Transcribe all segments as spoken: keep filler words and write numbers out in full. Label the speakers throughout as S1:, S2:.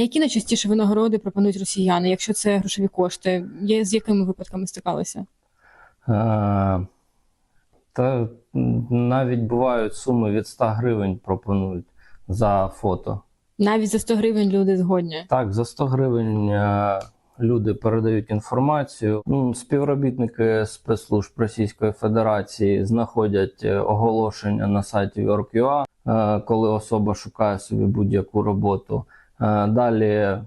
S1: які найчастіше винагороди пропонують росіяни, якщо це грошові кошти? Є, з якими випадками стикалися?
S2: А, та навіть бувають суми від ста гривень пропонують за фото.
S1: Навіть за сто гривень люди згодні?
S2: Так, за сто гривень а, люди передають інформацію. Ну, співробітники спецслужб Російської Федерації знаходять оголошення на сайті Work.ua, а, коли особа шукає собі будь-яку роботу. А, далі а,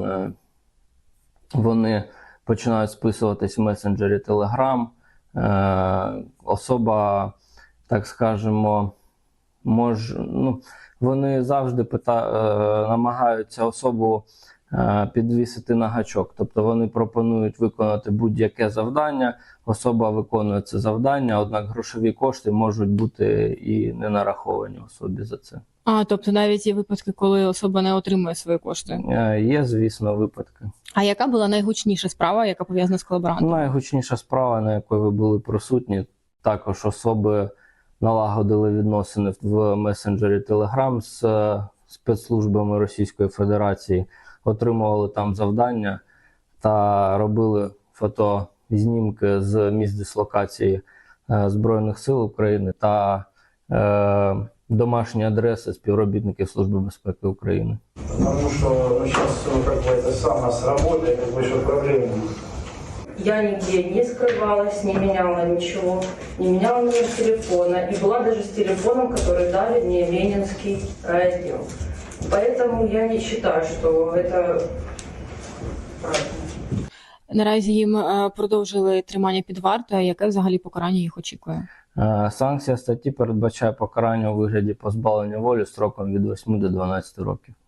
S2: вони починають списуватись в месенджері Telegram. Е, особа, так скажемо, може, ну, вони завжди пита, е, намагаються особу е, підвісити на гачок. Тобто вони пропонують виконати будь-яке завдання, особа виконує це завдання, однак грошові кошти можуть бути і не нараховані особі за це.
S1: А, тобто навіть є випадки, коли особа не отримує свої кошти?
S2: Е, є, звісно, випадки.
S1: А яка була найгучніша справа, яка пов'язана з колаборантом?
S2: Найгучніша справа, на якій ви були присутні, також особи налагодили відносини в месенджері Telegram з спецслужбами Російської Федерації, отримували там завдання та робили фотознімки з місць дислокації е, Збройних сил України та е, домашні адреси співробітників Служби безпеки України.
S3: Потому что ну, сейчас ну, как бы это сам с работой, как бы еще проблем.
S4: Я нигде не скрывалась, не меняла ничего, не меняла номер телефона. И была даже с телефоном, который дали мне Ленинский райотдел. Поэтому я не считаю, что это правда.
S1: Наразі їм е, продовжили тримання під вартою. Яке взагалі покарання їх очікує?
S2: Е, Санкція статті передбачає покарання у вигляді позбавлення волі строком від восьми до дванадцяти років.